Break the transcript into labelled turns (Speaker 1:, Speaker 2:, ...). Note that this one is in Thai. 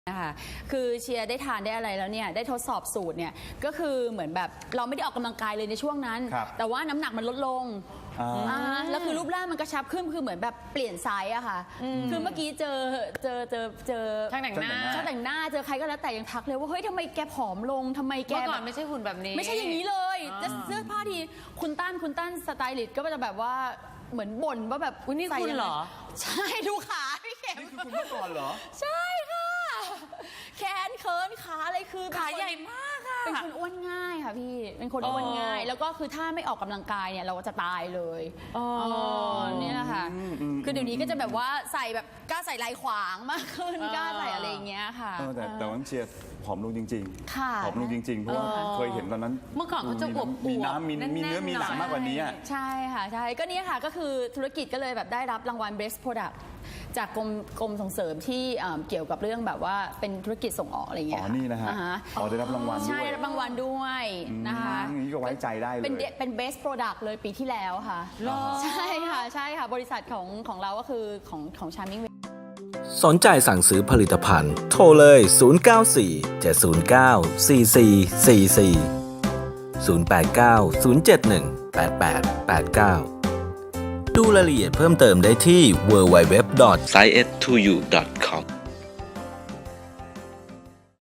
Speaker 1: นะคะคือเชียร์ได้ทานได้อะไรแล้วเนี่ยได้ทดสอบสูตรเนี่ยก็คือเหมือนแบบเราไม่ได้ออกกำลังกายเลยในช่วงนั้นแต่ว่าน้ำหนักมันลดลงแล้วคือรูปร่างมันกระชับขึ้นคือเหมือนแบบเปลี่ยนไซส์อะค่ะคือเมื่อกี้เจอ
Speaker 2: ช่างแต่งหน้า
Speaker 1: เจอใครก็แล้วแต่ยังทักเลยว่าเฮ้ยทำไมแกผอมลงทำไมแก
Speaker 2: เมื่อก่อนไม่ใช่หุ่นแบบนี้
Speaker 1: ไม่ใช่อย่างนี้เลยจะเสื้อผ้าทีคุณตั้นสไตลิสต์ก็จะแบบว่าเหมือนบ่นว่าแบบ
Speaker 2: อุ๊ยนี่คุณเหรอ
Speaker 1: ใช่ดูขาพี่เข็ม
Speaker 3: นี่คือคุณเมื่อก่อนเหรอ
Speaker 1: ใช่ค่ะแขนเคิร์นขาอะไรคือ
Speaker 2: ขาใหญ่มากค่ะ
Speaker 1: เป็นคนอ้วนง่ายค่ะพี่เป็นคนอ้วนง่ายแล้วก็คือถ้าไม่ออกกำลังกายเนี่ยเราจะตายเลยนี่แหละค่ะคือเดี๋ยวนี้ก็จะแบบว่าใส่แบบกล้าใส่ลายขวางมากขึ้นกล้าใส่อะไรอย่างเงี้ยค่ะ
Speaker 3: แต่ว่าเชียร์ผอมลงจริง
Speaker 1: ๆ
Speaker 3: ผอมลงจริงๆเพราะว่าเคยเห็นตอนนั้น
Speaker 2: เมื่อก่อนเขาจะอวบ
Speaker 3: มีน้ำมีเนื้อมีหนังมากกว่านี้
Speaker 1: ใช่ค่ะใช่ก็นี่ค่ะก็คือธุรกิจก็เลยแบบได้รับรางวัล Best Product จากกรมส่งเสริมที่เกี่ยวกับเรื่องแบบว่าเป็นธุรกิจส่งออกอะไรอย่างเงี้ย
Speaker 3: นี่นะฮะได้รับรางวัลด้วย
Speaker 1: ใช่ได้รับรางวัลด้วยนะคะ
Speaker 3: นี่ก็ไว้ใจได้เลย
Speaker 1: เป็น Best Product เลยปีที่แล้วค่ะใช่ค่ะบริษัทของเราก็คือของ Charming
Speaker 4: สนใจสั่งซื้อผลิตภัณฑ์โทรเลย 094-709-4444 089-071-8889 ดูรายละเอียดเพิ่มเติมได้ที่ www.science2u.com